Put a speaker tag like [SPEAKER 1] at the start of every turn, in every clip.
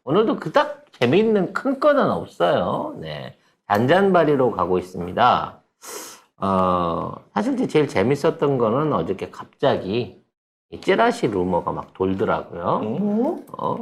[SPEAKER 1] 오늘도 그닥 재미있는 큰 건은 없어요. 네. 잔잔바리로 가고 있습니다. 사실 이제 제일 재밌었던 거는 어저께 갑자기 이 찌라시 루머가 막 돌더라고요.
[SPEAKER 2] 뭐?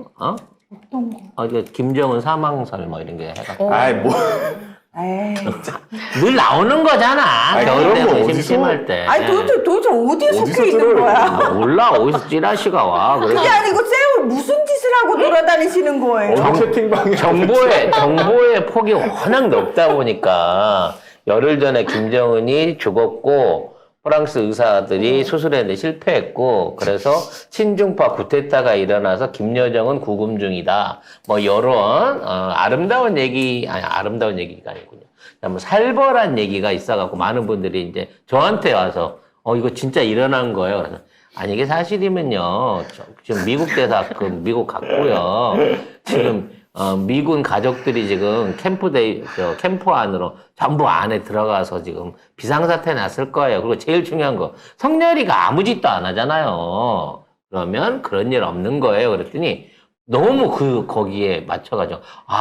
[SPEAKER 2] 어떤 거?
[SPEAKER 1] 이제 김정은 사망설 뭐 이런 게 해갖고.
[SPEAKER 3] 아이, 뭐.
[SPEAKER 2] 에이.
[SPEAKER 1] 늘 나오는 거잖아.
[SPEAKER 3] 아니,
[SPEAKER 1] 겨울
[SPEAKER 3] 그런
[SPEAKER 1] 때
[SPEAKER 3] 거
[SPEAKER 1] 뭐
[SPEAKER 3] 어디서-
[SPEAKER 1] 심심할 때.
[SPEAKER 2] 아니 도대체 어디에
[SPEAKER 3] 어디서
[SPEAKER 2] 섞여 있는
[SPEAKER 3] 들어요?
[SPEAKER 2] 거야?
[SPEAKER 1] 몰라. 어디서 찌라시가 와. 그래서
[SPEAKER 2] 그게 아니고 쌤은 무슨 짓을 하고 돌아다니시는 거예요?
[SPEAKER 3] 어디 채팅방에.
[SPEAKER 1] 정보의 폭이 워낙 넓다 보니까 열흘 전에 김정은이 죽었고 프랑스 의사들이 수술했는데 실패했고 그래서 친중파 쿠데타가 일어나서 김여정은 구금 중이다. 뭐 이런 아름다운 아름다운 얘기가 아니군요. 뭐 살벌한 얘기가 있어갖고 많은 분들이 이제 저한테 와서 이거 진짜 일어난 거예요. 그래서 아니 이게 사실이면요. 지금 미국 대사 미국 갔고요. 지금 미군 가족들이 지금 캠프 안으로 전부 안에 들어가서 지금 비상사태 났을 거예요. 그리고 제일 중요한 거, 성렬이가 아무 짓도 안 하잖아요. 그러면 그런 일 없는 거예요. 그랬더니 너무 거기에 맞춰가지고,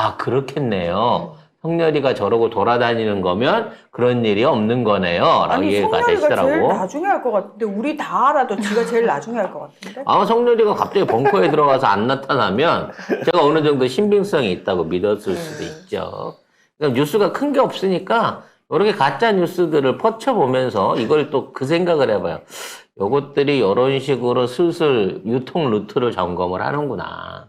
[SPEAKER 1] 그렇겠네요. 성렬이가 저러고 돌아다니는 거면 그런 일이 없는 거네요. 라고
[SPEAKER 2] 아니
[SPEAKER 1] 이해가
[SPEAKER 2] 성렬이가 제일
[SPEAKER 1] 되시더라고.
[SPEAKER 2] 나중에 할 것 같은데 우리 다 알아도 지가 제일 나중에 할 것 같은데?
[SPEAKER 1] 성렬이가 갑자기 벙커에 들어가서 안 나타나면 제가 어느 정도 신빙성이 있다고 믿었을 수도 있죠. 그러니까 뉴스가 큰 게 없으니까 이렇게 가짜 뉴스들을 퍼쳐보면서 이걸 또 그 생각을 해봐요. 요것들이 이런 식으로 슬슬 유통 루트를 점검을 하는구나.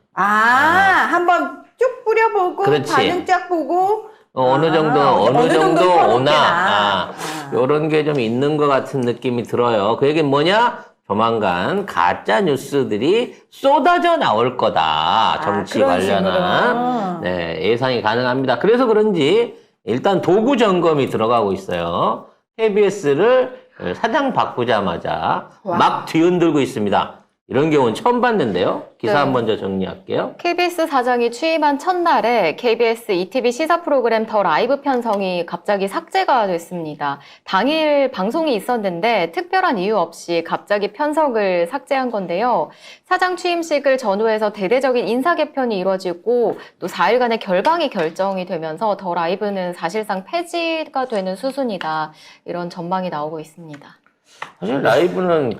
[SPEAKER 2] 한번 쭉 뿌려보고
[SPEAKER 1] 그렇지.
[SPEAKER 2] 반응 쫙 보고
[SPEAKER 1] 어느 정도
[SPEAKER 2] 선호케나.
[SPEAKER 1] 오나 요런 게 좀 있는 것 같은 느낌이 들어요. 그 얘기는 뭐냐? 조만간 가짜 뉴스들이 쏟아져 나올 거다. 정치
[SPEAKER 2] 그런
[SPEAKER 1] 관련한
[SPEAKER 2] 식으로.
[SPEAKER 1] 네, 예상이 가능합니다. 그래서 그런지 일단 도구 점검이 들어가고 있어요. KBS를 사장 바꾸자마자
[SPEAKER 2] 와.
[SPEAKER 1] 막 뒤흔들고 있습니다. 이런 경우는 처음 봤는데요. 기사
[SPEAKER 4] 네.
[SPEAKER 1] 한 번 더 정리할게요.
[SPEAKER 4] KBS 사장이 취임한 첫날에 KBS ETV 시사 프로그램 더 라이브 편성이 갑자기 삭제가 됐습니다. 당일 방송이 있었는데 특별한 이유 없이 갑자기 편성을 삭제한 건데요. 사장 취임식을 전후해서 대대적인 인사 개편이 이루어지고 또 4일간의 결방이 결정이 되면서 더 라이브는 사실상 폐지가 되는 수순이다. 이런 전망이 나오고 있습니다.
[SPEAKER 1] 사실 라이브는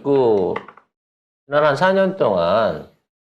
[SPEAKER 1] 지난 한 4년 동안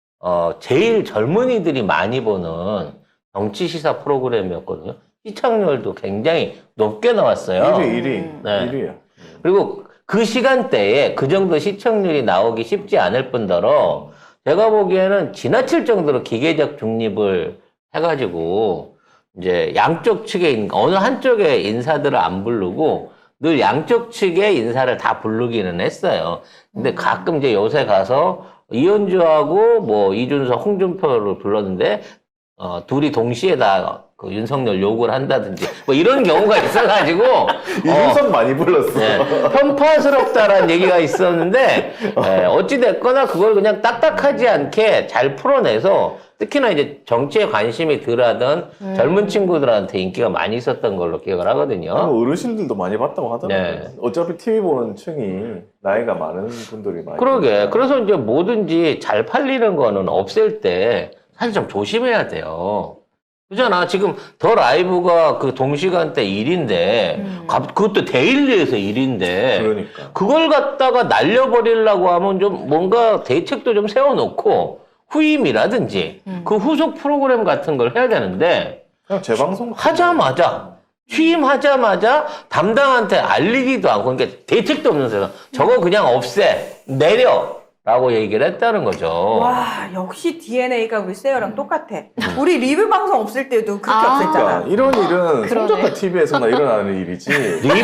[SPEAKER 1] 제일 젊은이들이 많이 보는 정치 시사 프로그램이었거든요. 시청률도 굉장히 높게 나왔어요.
[SPEAKER 3] 1위.
[SPEAKER 1] 네.
[SPEAKER 3] 1위야.
[SPEAKER 1] 그리고 그 시간대에 그 정도 시청률이 나오기 쉽지 않을 뿐더러 제가 보기에는 지나칠 정도로 기계적 중립을 해가지고 이제 양쪽 측의 어느 한쪽의 인사들을 안 부르고 늘 양쪽 측의 인사를 다 부르기는 했어요. 근데 가끔 이제 요새 가서 이현주하고 뭐 이준석, 홍준표를 불렀는데 둘이 동시에 다 그 윤석열 욕을 한다든지 뭐 이런 경우가 있어가지고
[SPEAKER 3] 이준석 많이 불렀어.
[SPEAKER 1] 네, 편파스럽다라는 얘기가 있었는데 어찌 됐거나 그걸 그냥 딱딱하지 않게 잘 풀어내서 특히나 이제 정치에 관심이 덜하던 젊은 친구들한테 인기가 많이 있었던 걸로 기억을 하거든요.
[SPEAKER 3] 뭐 어르신들도 많이 봤다고 하더라고요.
[SPEAKER 1] 네.
[SPEAKER 3] 어차피 TV 보는 층이 나이가 많은 분들이 많이.
[SPEAKER 1] 그러게.
[SPEAKER 3] 보니까.
[SPEAKER 1] 그래서 이제 뭐든지 잘 팔리는 거는 없앨 때 사실 좀 조심해야 돼요. 그잖아. 지금 더 라이브가 그 동시간대 일인데, 그것도 데일리에서 일인데,
[SPEAKER 3] 그러니까.
[SPEAKER 1] 그걸 갖다가 날려버리려고 하면 좀 뭔가 대책도 좀 세워놓고, 후임이라든지, 그 후속 프로그램 같은 걸 해야 되는데,
[SPEAKER 3] 그냥 재방송
[SPEAKER 1] 하자마자, 취임하자마자 담당한테 알리기도 않고, 그러니까 대책도 없는 세상. 저거 그냥 없애, 내려! 라고 얘기를 했다는 거죠.
[SPEAKER 2] 와 역시 DNA가 우리 세어랑 똑같아. 우리 리뷰 방송 없을 때도 그렇게 없앴잖아.
[SPEAKER 3] 그러니까 이런 일은
[SPEAKER 4] 그러네.
[SPEAKER 3] 송작가 TV에서나 일어나는 일이지.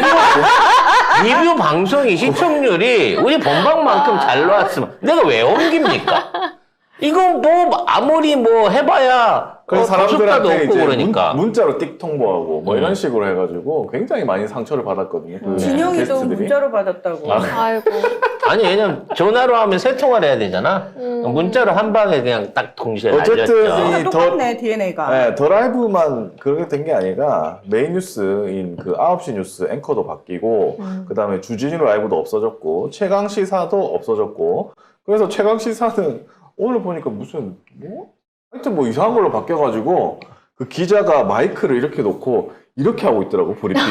[SPEAKER 1] 리뷰 방송이 시청률이 우리 본방만큼 잘 나왔으면 내가 왜 옮깁니까? 이거 뭐 아무리 뭐 해봐야
[SPEAKER 3] 그래서
[SPEAKER 1] 도수가도
[SPEAKER 3] 사람들한테
[SPEAKER 1] 없고
[SPEAKER 3] 이제
[SPEAKER 1] 그러니까.
[SPEAKER 3] 문자로 띡 통보하고 뭐 이런 식으로 해가지고 굉장히 많이 상처를 받았거든요. 그
[SPEAKER 2] 진영이도
[SPEAKER 3] 게스트들이.
[SPEAKER 2] 문자로 받았다고.
[SPEAKER 4] 아이고.
[SPEAKER 1] 아니 왜냐면 전화로 하면 세 통화를 해야 되잖아. 문자로 한 방에 그냥 딱 동시에
[SPEAKER 3] 어쨌든
[SPEAKER 1] 날렸죠.
[SPEAKER 3] 이
[SPEAKER 2] 똑같네 DNA가.
[SPEAKER 3] 네, 더 라이브만 그렇게 된 게 아니라 메인 뉴스인 그 9시 뉴스 앵커도 바뀌고 그 다음에 주진우 라이브도 없어졌고 최강 시사도 없어졌고 그래서 최강 시사는 오늘 보니까 무슨 뭐 하여튼 뭐 이상한 걸로 바뀌어가지고 그 기자가 마이크를 이렇게 놓고 이렇게 하고 있더라고 브리핑을.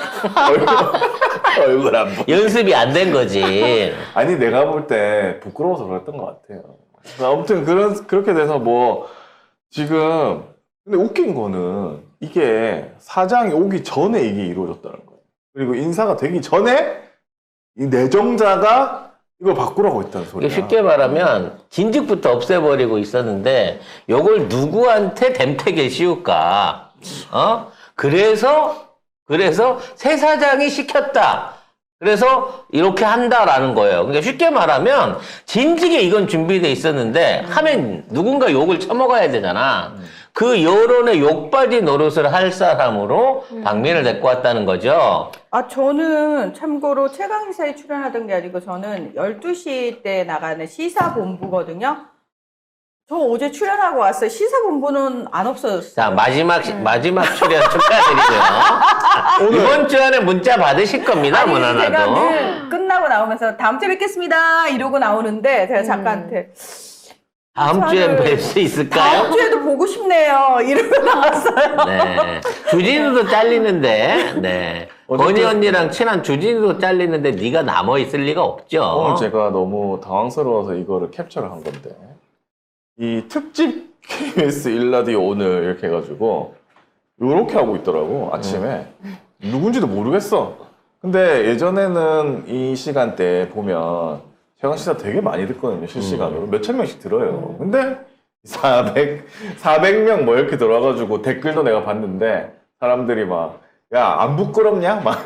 [SPEAKER 3] 얼굴 안 보.
[SPEAKER 1] 연습이 안 된 거지.
[SPEAKER 3] 아니 내가 볼 때 부끄러워서 그랬던 것 같아요. 아무튼 그렇게 돼서 뭐 지금 근데 웃긴 거는 이게 사장이 오기 전에 이게 이루어졌다는 거예요. 그리고 인사가 되기 전에 이 내정자가 이걸 바꾸라고 했다는 소리야.
[SPEAKER 1] 이게 쉽게 말하면 진즉부터 없애버리고 있었는데 요걸 누구한테 댐태게 씌울까? 그래서 새 사장이 시켰다. 그래서 이렇게 한다라는 거예요. 그러니까 쉽게 말하면 진즉에 이건 준비돼 있었는데 하면 누군가 욕을 처먹어야 되잖아. 그 여론의 욕받이 노릇을 할 사람으로 박민을 데리고 왔다는 거죠.
[SPEAKER 2] 저는 참고로 최강시사에 출연하던 게 아니고 저는 12시 때 나가는 시사본부거든요. 저 어제 출연하고 왔어요. 시사본부는 안 없어졌어요.
[SPEAKER 1] 자, 마지막 출연 축하드리고요. 이번 주 안에 문자 받으실 겁니다,
[SPEAKER 2] 아니, 제가
[SPEAKER 1] 무난하도.
[SPEAKER 2] 늘 끝나고 나오면서 다음 주에 뵙겠습니다 이러고 나오는데 제가 작가한테
[SPEAKER 1] 다음 주엔 뵐 수 있을까요?
[SPEAKER 2] 다음 주에도 보고 싶네요 이러고 나왔어요.
[SPEAKER 1] 네. 주진우도 잘리는데, 네.
[SPEAKER 3] 어쨌든-
[SPEAKER 1] 건희 언니랑 친한 주진우도 잘리는데 네가 남아 있을 리가 없죠.
[SPEAKER 3] 오늘 제가 너무 당황스러워서 이거를 캡처를 한 건데 이 특집 KBS 일라디오 오늘 이렇게 해가지고 요렇게 하고 있더라고 아침에 누군지도 모르겠어. 근데 예전에는 이 시간대 보면 최강시사 되게 많이 듣거든요 실시간으로 몇천 명씩 들어요. 근데 400명 뭐 이렇게 들어와가지고 댓글도 내가 봤는데 사람들이 막 야 안 부끄럽냐 막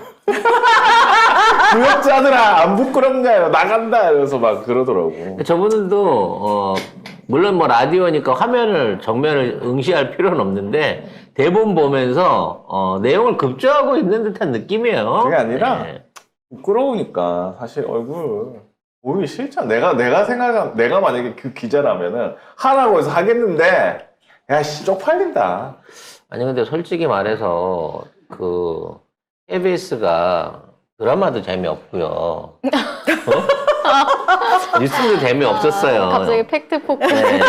[SPEAKER 3] 구역자들아 안 부끄럽냐 나간다 이러면서 막 그러더라고.
[SPEAKER 1] 저분들도 물론 뭐 라디오니까 정면을 응시할 필요는 없는데 대본 보면서 내용을 급조하고 있는 듯한 느낌이에요.
[SPEAKER 3] 그게 아니라
[SPEAKER 1] 네.
[SPEAKER 3] 부끄러우니까 사실 얼굴 보기 싫잖아. 내가 만약에 그 기자라면은 하라고 해서 하겠는데 야씨 쪽팔린다.
[SPEAKER 1] 아니 근데 솔직히 말해서 그 KBS가 드라마도 재미없고요. 뉴스도 재미없었어요.
[SPEAKER 4] 갑자기 팩트 폭풍.
[SPEAKER 1] 네.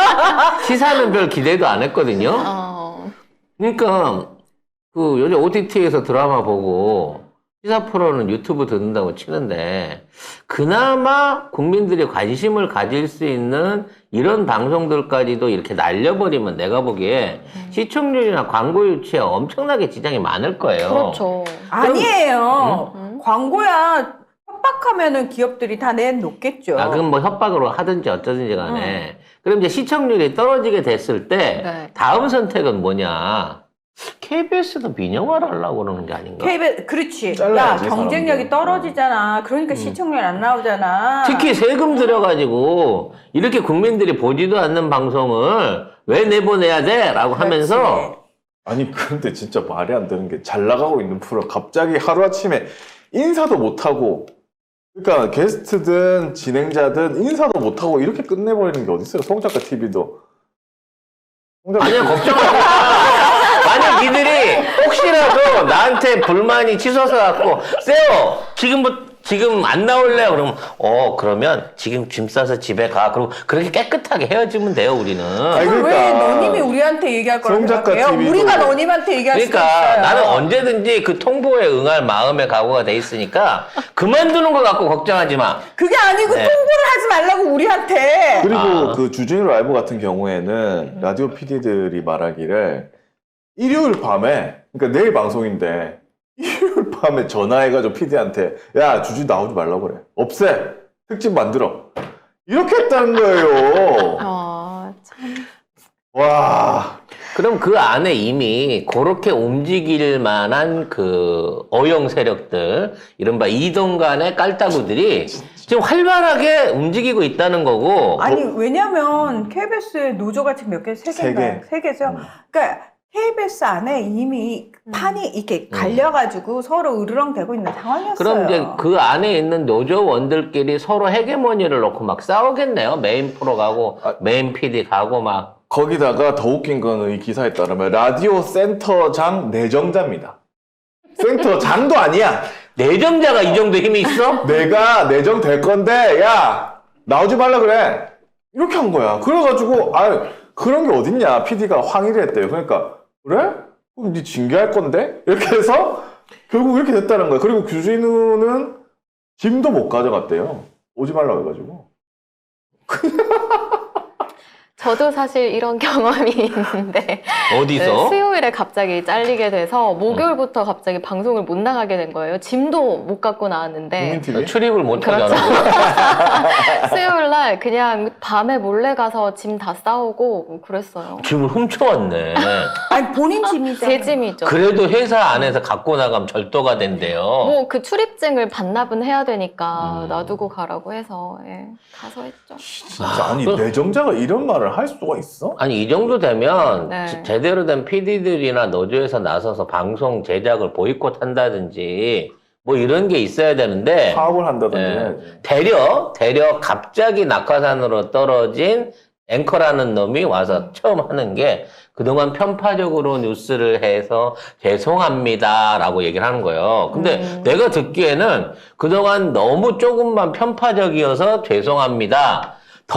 [SPEAKER 1] 시사는 별 기대도 안 했거든요. 그러니까 그 요즘 OTT에서 드라마 보고 시사 프로는 유튜브 듣는다고 치는데 그나마 국민들이 관심을 가질 수 있는 이런 방송들까지도 이렇게 날려버리면 내가 보기에 시청률이나 광고 유치에 엄청나게 지장이 많을 거예요.
[SPEAKER 4] 그렇죠.
[SPEAKER 2] 아니에요. 광고야 협박하면은 기업들이 다 내놓겠죠.
[SPEAKER 1] 그럼 뭐 협박으로 하든지 어쩌든지 간에 그럼 이제 시청률이 떨어지게 됐을 때
[SPEAKER 4] 네.
[SPEAKER 1] 다음 선택은 뭐냐? KBS도 민영화를 하려고 그러는 게 아닌가?
[SPEAKER 2] KBS 그렇지.
[SPEAKER 3] 잘라야지,
[SPEAKER 2] 야 경쟁력이
[SPEAKER 3] 사람들.
[SPEAKER 2] 떨어지잖아. 그러니까 시청률 안 나오잖아.
[SPEAKER 1] 특히 세금 들여가지고 이렇게 국민들이 보지도 않는 방송을 왜 내보내야 돼? 라고 하면서
[SPEAKER 3] 아니 그런데 진짜 말이 안 되는 게 잘 나가고 있는 프로 갑자기 하루아침에 인사도 못하고 그러니까 게스트든 진행자든 인사도 못하고 이렇게 끝내버리는 게 어딨어요. 송작가 TV도
[SPEAKER 1] 아니야 걱정하지 마. 만약 니들이 혹시라도 나한테 불만이 치솟아 갖고 쎄요 지금 안 나올래요? 그러면 그러면 지금 짐 싸서 집에 가. 그리고 그렇게 깨끗하게 헤어지면 돼요 우리는.
[SPEAKER 3] 아니,
[SPEAKER 2] 그걸 왜
[SPEAKER 3] 그러니까.
[SPEAKER 2] 너님이 우리한테 얘기할 거라고
[SPEAKER 3] 송작가
[SPEAKER 2] 생각해요?
[SPEAKER 3] TV도.
[SPEAKER 2] 우리가 너님한테 얘기할 수도
[SPEAKER 1] 그러니까
[SPEAKER 2] 있어요.
[SPEAKER 1] 나는 언제든지 그 통보에 응할 마음의 각오가 돼 있으니까 그만두는 거 갖고 걱정하지 마.
[SPEAKER 2] 그게 아니고
[SPEAKER 1] 네.
[SPEAKER 2] 통보를 하지 말라고 우리한테.
[SPEAKER 3] 그리고 그 주진우 라이브 같은 경우에는 라디오 PD들이 말하기를 일요일 밤에 그러니까 내일 방송인데 일요일 밤에 전화해가지고 PD한테 야 주진우 나오지 말라고 그래 없애 특집 만들어 이렇게 했다는 거예요.
[SPEAKER 4] 참.
[SPEAKER 3] 와
[SPEAKER 1] 그럼 그 안에 이미 그렇게 움직일 만한 그 어용 세력들, 이른바 이동간의 깔따구들이 지금 활발하게 움직이고 있다는 거고.
[SPEAKER 2] 아니 왜냐면 KBS의 노조가 지금 몇 개? 세
[SPEAKER 3] 세
[SPEAKER 2] 개인가요?
[SPEAKER 3] 개.
[SPEAKER 2] 세 개죠. 그러니까 KBS 안에 이미 판이 이렇게 갈려가지고 서로 으르렁대고 있는 상황이었어요.
[SPEAKER 1] 그럼 이제 그 안에 있는 노조원들끼리 서로 헤게모니를 놓고 막 싸우겠네요. 메인 프로 가고, 메인 PD 가고 막.
[SPEAKER 3] 거기다가 더 웃긴 거는 이 기사에 따르면 라디오 센터장 내정자입니다. 센터장도 아니야.
[SPEAKER 1] 내정자가 이 정도 힘이 있어?
[SPEAKER 3] 내가 내정 될 건데 야 나오지 말라 그래 이렇게 한 거야. 그래가지고 그런 게 어딨냐. PD가 항의를 했대요. 그러니까 그래? 그럼 니 징계할 건데? 이렇게 해서 결국 이렇게 됐다는 거예요. 그리고 규진우는 짐도 못 가져갔대요. 오지 말라고 해가지고.
[SPEAKER 4] 저도 사실 이런 경험이 있는데
[SPEAKER 1] 어디서?
[SPEAKER 4] 수요일에 갑자기 잘리게 돼서 목요일부터 갑자기 방송을 못 나가게 된 거예요. 짐도 못 갖고 나왔는데
[SPEAKER 3] 국민TV?
[SPEAKER 1] 출입을 못
[SPEAKER 4] 그렇죠.
[SPEAKER 1] 하잖아.
[SPEAKER 4] 수요일 날 그냥 밤에 몰래 가서 짐 다 싸오고 그랬어요.
[SPEAKER 1] 짐을 훔쳐왔네.
[SPEAKER 2] 아니 본인 짐이죠.
[SPEAKER 4] 제 짐이죠.
[SPEAKER 1] 그래도 회사 안에서 갖고 나가면 절도가 된대요.
[SPEAKER 4] 뭐 그 출입증을 반납은 해야 되니까 놔두고 가라고 해서 가서 했죠.
[SPEAKER 3] 진짜 아니 내정자가 이런 말을 할 수가 있어?
[SPEAKER 1] 아니 이 정도 되면
[SPEAKER 4] 네.
[SPEAKER 1] 제대로 된 PD들이나 노조에서 나서서 방송 제작을 보이콧한다든지 뭐 이런 게 있어야 되는데
[SPEAKER 3] 파업을 한다든지
[SPEAKER 1] 네.
[SPEAKER 3] 해야지.
[SPEAKER 1] 대려 갑자기 낙하산으로 떨어진 앵커라는 놈이 와서 처음 하는 게 그동안 편파적으로 뉴스를 해서 죄송합니다라고 얘기를 하는 거예요. 근데 내가 듣기에는 그동안 너무 조금만 편파적이어서 죄송합니다.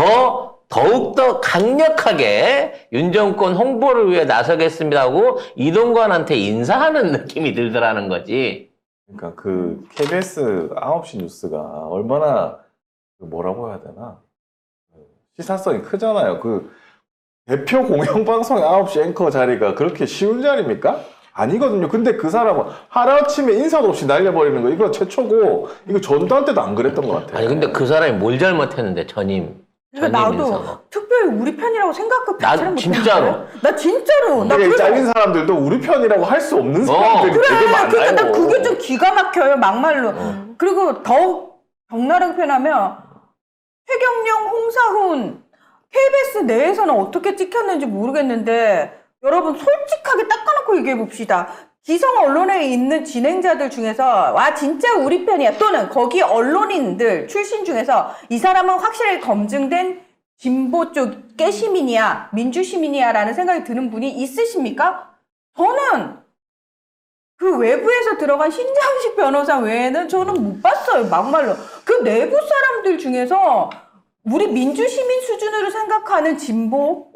[SPEAKER 1] 더욱더 강력하게 윤 정권 홍보를 위해 나서겠습니다 하고 이동관한테 인사하는 느낌이 들더라는 거지.
[SPEAKER 3] 그러니까 그 KBS 9시 뉴스가 얼마나 뭐라고 해야 되나 시사성이 크잖아요. 그 대표 공영방송 9시 앵커 자리가 그렇게 쉬운 자리입니까? 아니거든요. 근데 그 사람은 하루아침에 인사도 없이 날려버리는 거 이거 최초고 이거 전두환 때도 안 그랬던 것 같아요.
[SPEAKER 1] 아니 근데 그 사람이 뭘 잘못했는데 전임
[SPEAKER 2] 그러니까 나도
[SPEAKER 1] 인사가.
[SPEAKER 2] 특별히 우리 편이라고 생각을
[SPEAKER 1] 나
[SPEAKER 2] 자체를
[SPEAKER 1] 진짜로.
[SPEAKER 2] 못했는데. 나 진짜로. 나
[SPEAKER 3] 근데 이
[SPEAKER 2] 그래서
[SPEAKER 3] 잘린 사람들도 우리 편이라고 할 수 없는 사람들이
[SPEAKER 2] 그래,
[SPEAKER 3] 되게 많아요.
[SPEAKER 2] 그러니까 나 그게 좀 기가 막혀요, 막말로. 그리고 더욱 적나라하게 표현하면, 최경영, 홍사훈, KBS 내에서는 어떻게 찍혔는지 모르겠는데, 여러분 솔직하게 닦아놓고 얘기해봅시다. 기성 언론에 있는 진행자들 중에서, 와, 진짜 우리 편이야. 또는 거기 언론인들 출신 중에서, 이 사람은 확실히 검증된 진보 쪽 깨시민이야, 민주시민이야 라는 생각이 드는 분이 있으십니까? 저는 그 외부에서 들어간 신장식 변호사 외에는 저는 못 봤어요, 막말로. 그 내부 사람들 중에서 우리 민주시민 수준으로 생각하는 진보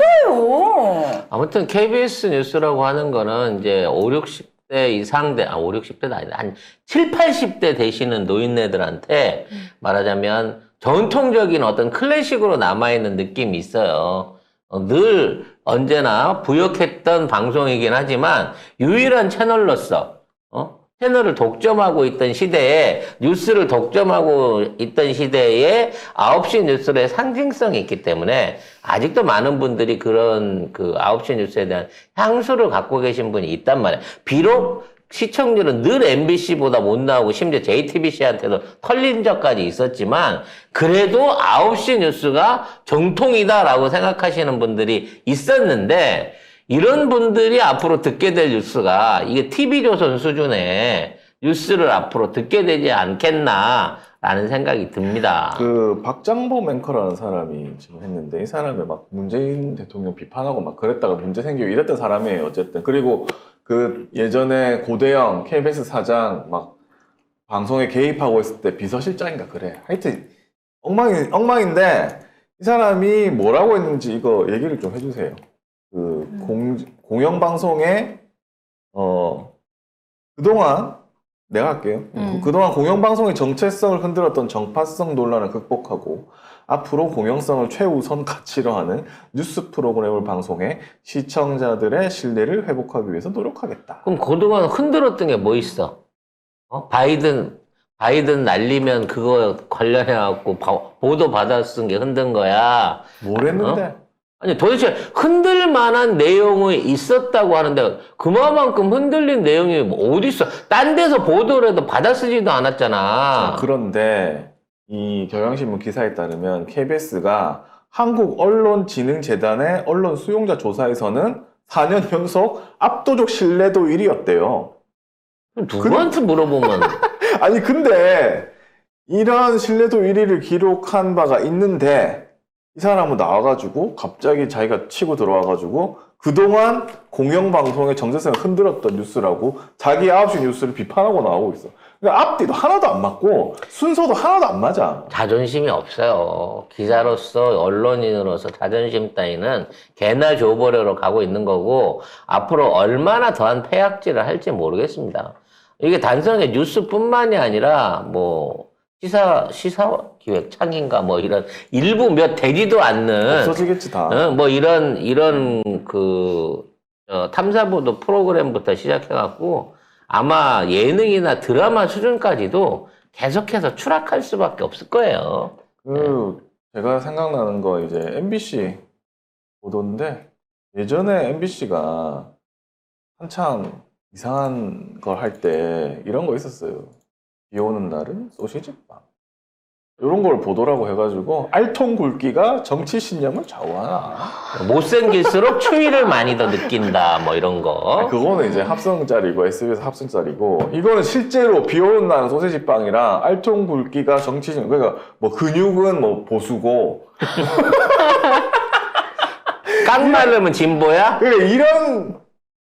[SPEAKER 2] 없어요.
[SPEAKER 1] 아무튼 KBS 뉴스라고 하는 거는 이제 5, 60대 이상 5, 60대도 아니다. 한 7, 80대 되시는 노인네들한테 말하자면 전통적인 어떤 클래식으로 남아있는 느낌이 있어요. 늘 언제나 부역했던 방송이긴 하지만 유일한 채널로서 채널을 독점하고 있던 시대에 뉴스를 독점하고 있던 시대에 9시 뉴스의 상징성이 있기 때문에 아직도 많은 분들이 그런 그 9시 뉴스에 대한 향수를 갖고 계신 분이 있단 말이에요. 비록 시청률은 늘 MBC보다 못 나오고 심지어 JTBC한테도 털린 적까지 있었지만 그래도 9시 뉴스가 정통이다라고 생각하시는 분들이 있었는데 이런 분들이 앞으로 듣게 될 뉴스가 이게 TV조선 수준의 뉴스를 앞으로 듣게 되지 않겠나라는 생각이 듭니다.
[SPEAKER 3] 그 박장범 앵커라는 사람이 지금 했는데 이 사람이 막 문재인 대통령 비판하고 막 그랬다가 문제 생기고 이랬던 사람이에요. 어쨌든 그리고 그 예전에 고대영 KBS 사장 막 방송에 개입하고 있을 때 비서실장인가 그래. 하여튼 엉망인데 이 사람이 뭐라고 했는지 이거 얘기를 좀 해주세요. 그 공영방송에 그동안 내가 할게요. 그동안 공영방송의 정체성을 흔들었던 정파성 논란을 극복하고 앞으로 공영성을 최우선 가치로 하는 뉴스 프로그램을 방송해 시청자들의 신뢰를 회복하기 위해서 노력하겠다.
[SPEAKER 1] 그럼 그동안 흔들었던 게 뭐 있어? 바이든 날리면 그거 관련해갖고 보도 받았은 게 흔든 거야.
[SPEAKER 3] 뭘 했는데?
[SPEAKER 1] 아니 도대체 흔들 만한 내용이 있었다고 하는데 그만큼 흔들린 내용이 어디 있어? 딴 데서 보도를 해도 받아쓰지도 않았잖아.
[SPEAKER 3] 그런데 이 경향신문 기사에 따르면 KBS가 한국언론진흥재단의 언론 수용자 조사에서는 4년 연속 압도적 신뢰도 1위였대요.
[SPEAKER 1] 누구한테 물어보면
[SPEAKER 3] 아니 근데 이런 신뢰도 1위를 기록한 바가 있는데 이 사람은 나와가지고 갑자기 자기가 치고 들어와가지고 그동안 공영방송의 정체성을 흔들었던 뉴스라고 자기 9시 뉴스를 비판하고 나오고 있어. 그러니까 앞뒤도 하나도 안 맞고 순서도 하나도 안 맞아.
[SPEAKER 1] 자존심이 없어요. 기자로서 언론인으로서 자존심 따위는 개나 줘버려로 가고 있는 거고 앞으로 얼마나 더한 폐악질을 할지 모르겠습니다. 이게 단순하게 뉴스뿐만이 아니라 뭐 시사기획창인가 뭐 이런 일부 몇 되지도 않는
[SPEAKER 3] 없어지겠지 다.
[SPEAKER 1] 뭐 이런 탐사보도 프로그램부터 시작해갖고 아마 예능이나 드라마 수준까지도 계속해서 추락할 수밖에 없을 거예요.
[SPEAKER 3] 제가 생각나는 거 이제 MBC 보도인데 예전에 MBC가 한참 이상한 걸 할 때 이런 거 있었어요. 비 오는 날은 소시지빵. 이런 걸 보도라고 해가지고 알통 굵기가 정치 신념을 좌우하나.
[SPEAKER 1] 못생길수록 추위를 많이 더 느낀다 뭐 이런 거.
[SPEAKER 3] 그거는 이제 합성짤이고 SBS 합성짤이고 이거는 실제로 비 오는 날은 소시지빵이랑 알통 굵기가 정치 신념. 그러니까 뭐 근육은 뭐 보수고
[SPEAKER 1] 깡마르면 진보야?
[SPEAKER 3] 그러니까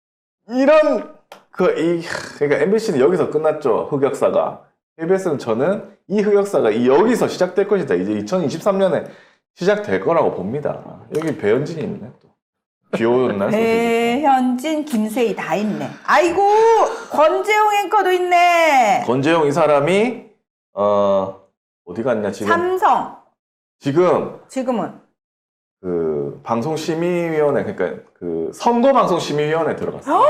[SPEAKER 3] 그러니까 MBC는 여기서 끝났죠. 흑역사가. KBS는 저는 이 흑역사가 여기서 시작될 것이다. 이제 2023년에 시작될 거라고 봅니다. 여기 배현진이 있네 또. 비 오는 날 소시지.
[SPEAKER 2] 배현진, 김세희 다 있네. 아이고 권재용 앵커도 있네.
[SPEAKER 3] 권재용 이 사람이 어디 갔냐 지금.
[SPEAKER 2] 삼성
[SPEAKER 3] 지금은 그 방송심의위원회 그러니까 그 선거방송심의위원회 들어갔어요.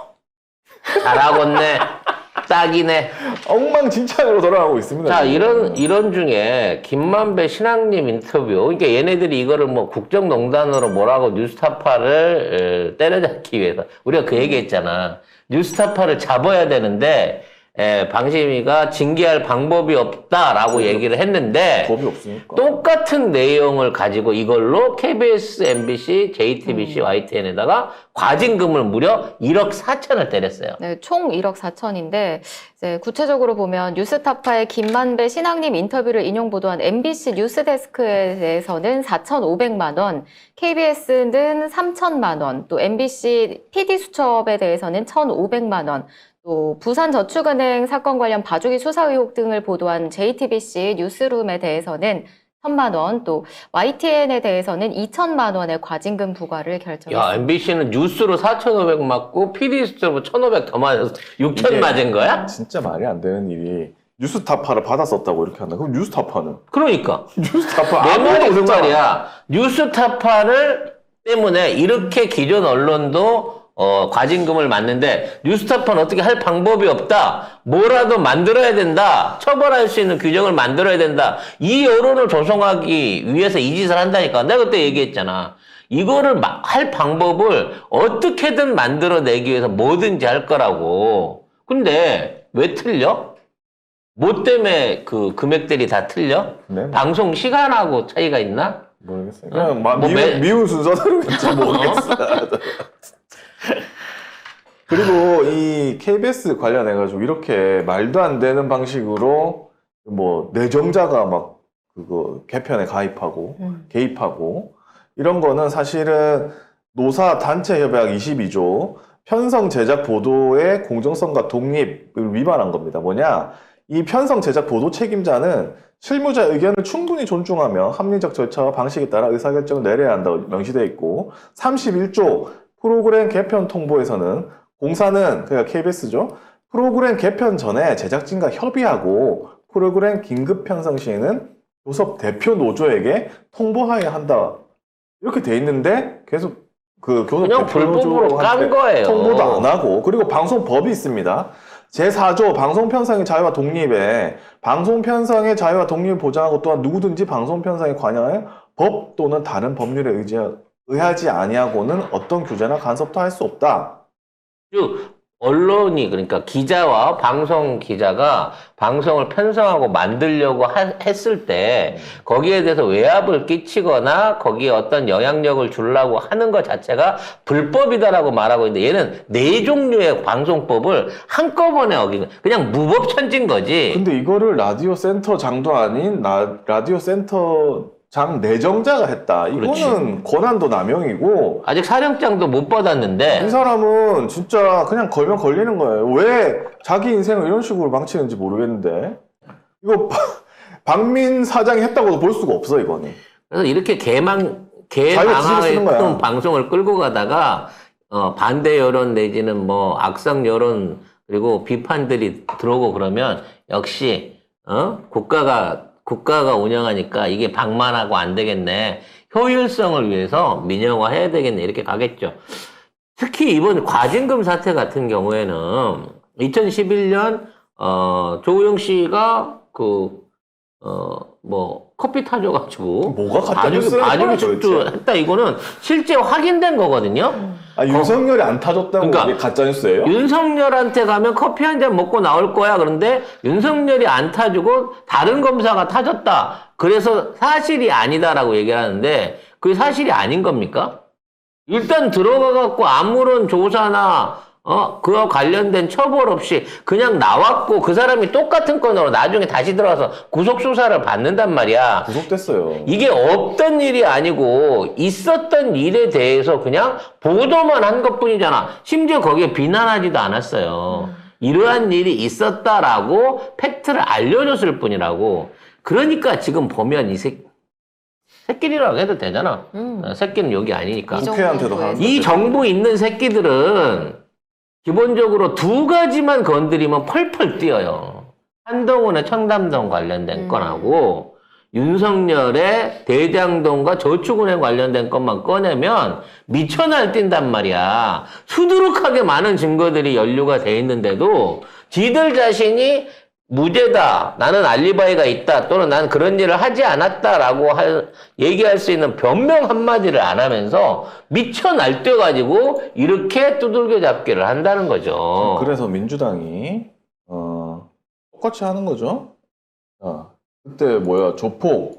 [SPEAKER 1] 잘하겠네. 딱이네.
[SPEAKER 3] 엉망진창으로 돌아가고 있습니다.
[SPEAKER 1] 자,
[SPEAKER 3] 지금.
[SPEAKER 1] 이런 중에 김만배 신앙님 인터뷰. 그러니까 얘네들이 이거를 뭐 국정농단으로 뭐라고 뉴스타파를 때려잡기 위해서. 우리가 그 얘기 했잖아. 뉴스타파를 잡아야 되는데, 방심위가 징계할 방법이 없다라고 얘기를 했는데,
[SPEAKER 3] 법이 없으니까.
[SPEAKER 1] 똑같은 내용을 가지고 이걸로 KBS, MBC, JTBC, YTN에다가 과징금을 무려 1억 4천을 때렸어요.
[SPEAKER 4] 네, 총 1억 4천인데 이제 구체적으로 보면 뉴스타파의 김만배 신앙님 인터뷰를 인용 보도한 MBC 뉴스데스크에 대해서는 4,500만 원, KBS는 3천만 원, 또 MBC PD수첩에 대해서는 1,500만 원, 또 부산저축은행 사건 관련 봐주기 수사 의혹 등을 보도한 JTBC 뉴스룸에 대해서는 1,000만 원, 또 YTN에 대해서는 2천만 원의 과징금 부과를 결정했습니다.
[SPEAKER 1] 야, MBC는 뉴스로 4,500 맞고 PD수첩으로 1,500 더 맞아서 6천
[SPEAKER 3] 이게
[SPEAKER 1] 맞은 거야?
[SPEAKER 3] 진짜 말이 안 되는 일이 뉴스타파를 받았었다고 이렇게 한다. 그럼 뉴스타파는?
[SPEAKER 1] 그러니까.
[SPEAKER 3] 뉴스타파
[SPEAKER 1] 내
[SPEAKER 3] 아무것도
[SPEAKER 1] 말이 그
[SPEAKER 3] 없잖아.
[SPEAKER 1] 말이야. 뉴스타파를 때문에 이렇게 기존 언론도 과징금을 맞는데 뉴스타파는 어떻게 할 방법이 없다. 뭐라도 만들어야 된다. 처벌할 수 있는 규정을 만들어야 된다. 이 여론을 조성하기 위해서 이 짓을 한다니까. 내가 그때 얘기했잖아. 이거를 할 방법을 어떻게든 만들어내기 위해서 뭐든지 할 거라고. 근데 왜 틀려? 뭐 때문에 그 금액들이 다 틀려?
[SPEAKER 3] 네.
[SPEAKER 1] 방송 시간하고 차이가 있나?
[SPEAKER 3] 모르겠어요. 그냥
[SPEAKER 1] 뭐
[SPEAKER 3] 미운 순서대로겠지 모르겠어. 그리고 이 KBS 관련해가지고 이렇게 말도 안 되는 방식으로 뭐 내정자가 막 그거 개편에 가입하고 개입하고 이런 거는 사실은 노사 단체 협약 22조 편성 제작 보도의 공정성과 독립을 위반한 겁니다. 뭐냐? 이 편성 제작 보도 책임자는 실무자 의견을 충분히 존중하며 합리적 절차와 방식에 따라 의사결정을 내려야 한다고 명시되어 있고 31조 프로그램 개편 통보에서는 공사는 그러니까 KBS죠. 프로그램 개편 전에 제작진과 협의하고 프로그램 긴급 편성 시에는 교섭 대표 노조에게 통보하여야 한다. 이렇게 돼 있는데 계속 그 교섭
[SPEAKER 1] 그냥
[SPEAKER 3] 대표
[SPEAKER 1] 불법으로 깐
[SPEAKER 3] 노조한테
[SPEAKER 1] 거예요.
[SPEAKER 3] 통보도 안 하고 그리고 방송법이 있습니다. 제4조 방송 편성의 자유와 독립에 방송 편성의 자유와 독립을 보장하고 또한 누구든지 방송 편성에 관여하여 법 또는 다른 법률에 의하지 아니하고는 어떤 규제나 간섭도 할 수 없다.
[SPEAKER 1] 즉 언론이 그러니까 기자와 방송 기자가 방송을 편성하고 만들려고 했을 때 거기에 대해서 외압을 끼치거나 거기에 어떤 영향력을 주려고 하는 것 자체가 불법이다라고 말하고 있는데 얘는 네 종류의 방송법을 한꺼번에 어긴 그냥 무법천지인 거지.
[SPEAKER 3] 근데 이거를 라디오 센터 장도 아닌 라디오 센터 장 내정자가 했다. 이거는
[SPEAKER 1] 그렇지.
[SPEAKER 3] 권한도 남용이고
[SPEAKER 1] 아직 사령장도 못 받았는데
[SPEAKER 3] 이 사람은 진짜 그냥 걸면 걸리는 거예요. 왜 자기 인생을 이런 식으로 망치는지 모르겠는데 이거 박민 사장이 했다고도 볼 수가 없어 이거는.
[SPEAKER 1] 그래서 이렇게
[SPEAKER 3] 자기가 지지를 쓰는 거야.
[SPEAKER 1] 개망의 방송을 끌고 가다가 반대 여론 내지는 뭐 악성 여론 그리고 비판들이 들어오고 그러면 역시 국가가 운영하니까 이게 방만하고 안 되겠네. 효율성을 위해서 민영화해야 되겠네. 이렇게 가겠죠. 특히 이번 과징금 사태 같은 경우에는 2011년 조우영 씨가 커피 타줘가지고
[SPEAKER 3] 뭐가 가짜 뉴스야,
[SPEAKER 1] 봐주기
[SPEAKER 3] 도대체?
[SPEAKER 1] 축조했다. 이거는 실제 확인된 거거든요.
[SPEAKER 3] 아 윤석열이 안 타줬다고
[SPEAKER 1] 그러니까
[SPEAKER 3] 이게 가짜 뉴스예요?
[SPEAKER 1] 윤석열한테 가면 커피 한 잔 먹고 나올 거야. 그런데 윤석열이 안 타주고 다른 검사가 타줬다. 그래서 사실이 아니다라고 얘기를 하는데 그게 사실이 아닌 겁니까? 일단 들어가갖고 아무런 조사나 그와 관련된 처벌 없이 그냥 나왔고 그 사람이 똑같은 건으로 나중에 다시 들어가서 구속수사를 받는단 말이야.
[SPEAKER 3] 구속됐어요.
[SPEAKER 1] 이게 없던 일이 아니고 있었던 일에 대해서 그냥 보도만 한 것뿐이잖아. 심지어 거기에 비난하지도 않았어요. 이러한 일이 있었다라고 팩트를 알려줬을 뿐이라고. 그러니까 지금 보면 새끼리라고 해도 되잖아. 새끼는 여기 아니니까.
[SPEAKER 3] 국회한테도 가는
[SPEAKER 1] 이 정부 있는 새끼들은 기본적으로 두 가지만 건드리면 펄펄 뛰어요. 한동훈의 청담동 관련된 건하고 윤석열의 대장동과 저축은행 관련된 것만 꺼내면 미쳐 날뛴단 말이야. 수두룩하게 많은 증거들이 연루가 돼 있는데도 지들 자신이 무죄다, 나는 알리바이가 있다, 또는 난 그런 일을 하지 않았다라고 얘기할 수 있는 변명 한마디를 안 하면서 미쳐 날뛰어가지고 이렇게 두들겨 잡기를 한다는 거죠.
[SPEAKER 3] 그래서 민주당이 똑같이 하는 거죠. 그때 조폭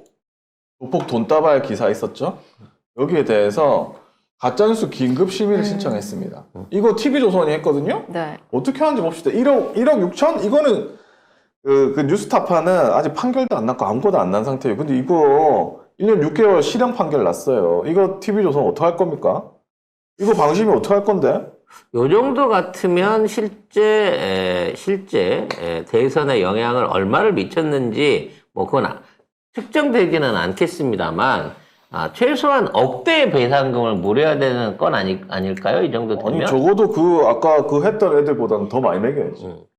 [SPEAKER 3] 돈다발 기사 있었죠? 여기에 대해서 가짜뉴스 긴급 심의를 신청했습니다. 이거 TV조선이 했거든요?
[SPEAKER 4] 네.
[SPEAKER 3] 어떻게 하는지 봅시다. 1억 6천? 이거는 그 뉴스타파는 아직 판결도 안 났고 아무것도 안 난 상태예요. 근데 이거 1년 6개월 실형 판결 났어요. 이거 TV조선 어떻게 할 겁니까? 이거 방심이 어떻게 할 건데?
[SPEAKER 1] 요 정도 같으면 실제 대선에 영향을 얼마를 미쳤는지 뭐 그건 측정되지는 않겠습니다만 최소한 억대의 배상금을 물어야 되는 건 아닐까요? 이 정도 되면?
[SPEAKER 3] 아니 적어도 아까 했던 애들보다는 더 많이 매겨야지.